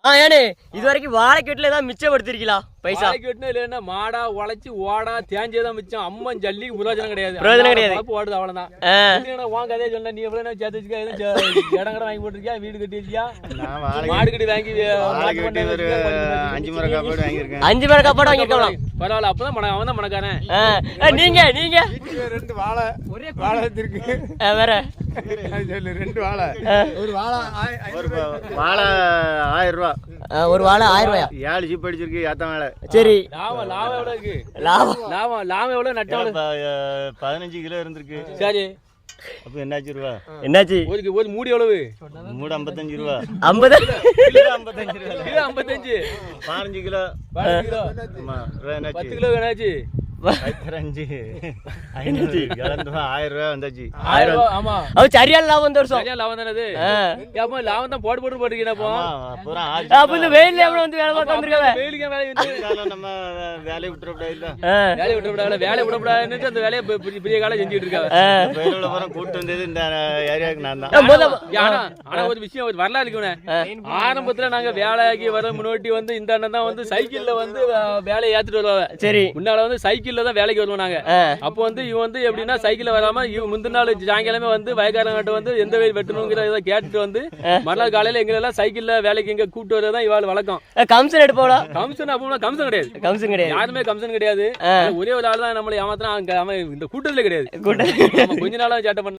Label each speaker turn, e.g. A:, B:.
A: ஏனே இது வரைக்கும் வாழைக்கட்டுல ஏதாவது மிச்சப்படுத்திருக்கீங்களா பைசா?
B: வாழைக்கட்டுன்னு இல்லைன்னா மாடா உழைச்சி ஓடா தேஞ்சதான் மிச்சம். அம்மன் ஜல்லிக்கு பிரயோஜனம் கிடையாது. ஓடுது அவ்வளவுதான். உன் கதையை சொன்ன நீ எவ்வளவு சேர்த்து வச்சுக்கா? இடம் கடை வாங்கி போட்டிருக்கியா? வீடு கட்டி வச்சியா? மாடு கட்டி வாங்கி
C: 5 மர காப்பாடு வாங்கியிருக்கேன்.
A: 5 மர காப்பாடு வாங்கிருக்கலாம்.
B: பரவாயில்ல. அப்பதான் அவன் தான் மணக்காரன்.
A: நீங்க
C: 2 வாழை வாழை இருக்கு.
A: வேற
C: 2 வாழை. ஒரு வாழை 1000 ரூபா.
A: ஒரு வாழை 1000 ரூபாயா?
C: 7 ஜீப் அடிச்சிருக்கு ஏத்த மேல.
A: சரி.
B: லாபம் எவ்வளவு இருக்கு?
A: லாபம்
B: எவ்வளவு? நட்டம்
C: 15 கிலோ இருந்திருக்கு.
B: சரி.
C: அப்ப என்னாச்சு ரூபா?
A: என்னாச்சு?
B: ஒரு மூடி எவ்வளவு?
C: மூடு 55 ரூபா.
A: 50
B: கிலோ 55 ரூபா. கிலோ 55.
C: 15 கிலோ.
B: 15 கிலோ.
C: ஆமா.
B: 10 கிலோ என்னாச்சு?
C: 5 500 கலந்து 1000 ரூபா வந்தாச்சு.
B: 1000 ரூபா. ஆமா.
A: அது சரியான லாபம் இந்த வருஷம்.
B: சரியான லாபம் தானே அது? அப்ப லாபம் தான் போட்டு போட்டுருக்கீங்க.
A: அப்ப இந்த வெயில்ல எவ்வளவு வந்து வேலை பார்க்க வந்திருக்காங்க?
B: வெயிலுக்கு வேலை வந்து
C: நம்ம வேலையை விட்டுறக்கூடாது இல்ல.
B: வேலையை விட்டுறக்கூடாது. வேலையை விடக்கூடாதுன்னு அந்த வேலையை பெரிய காலம் செஞ்சுட்டு இருக்காங்க.
C: வெயிலோட போற கூட்டு வந்தது இந்த ஏரியாவுக்கு நான் தான்.
B: ஆனா ஒரு விஷயம் ஒரு வரலாறு இருக்குண்ணே. ஆரம்பத்துல நாங்க வேலைக்கு வர முன்னாடி வந்து இந்த அண்ணன் தான் வந்து சைக்கிள்ல வந்து வேலையை ஏத்துட்டு வருவாங்க.
A: சரி.
B: முன்னால வந்து சைக்கிள்ல தான் வேலைக்கு வருவோம் நாங்க. அப்போ வந்து இவன் வந்து எப்படின்னா சைக்கிள்ல வராம முந்தின நாள் சாயங்காலமே வந்து வயக்காரங்கிட்ட வந்து எந்த வெயில் வெட்டணுங்கிற இதை கேட்டுட்டு வந்து மறுநாள் காலையில எங்க எல்லாம் சைக்கிள்ல வேலைக்கு எங்க கூப்பிட்டு வரதான் இவாள் வழக்கம்.
A: கமிஷன் எடுப்போம்.
B: கமிஷன் அப்போ கமிஷன் கிடையாது.
A: கமிஷன் கிடையாது.
B: யாருமே கமிஷன் கிடையாது. ஒரே ஒரு ஆள் தான் நம்மளை ஏமாத்தினா அவன் இந்த கூட்டத்துல கிடையாது. கொஞ்ச நாளா சேட்டை பண்ண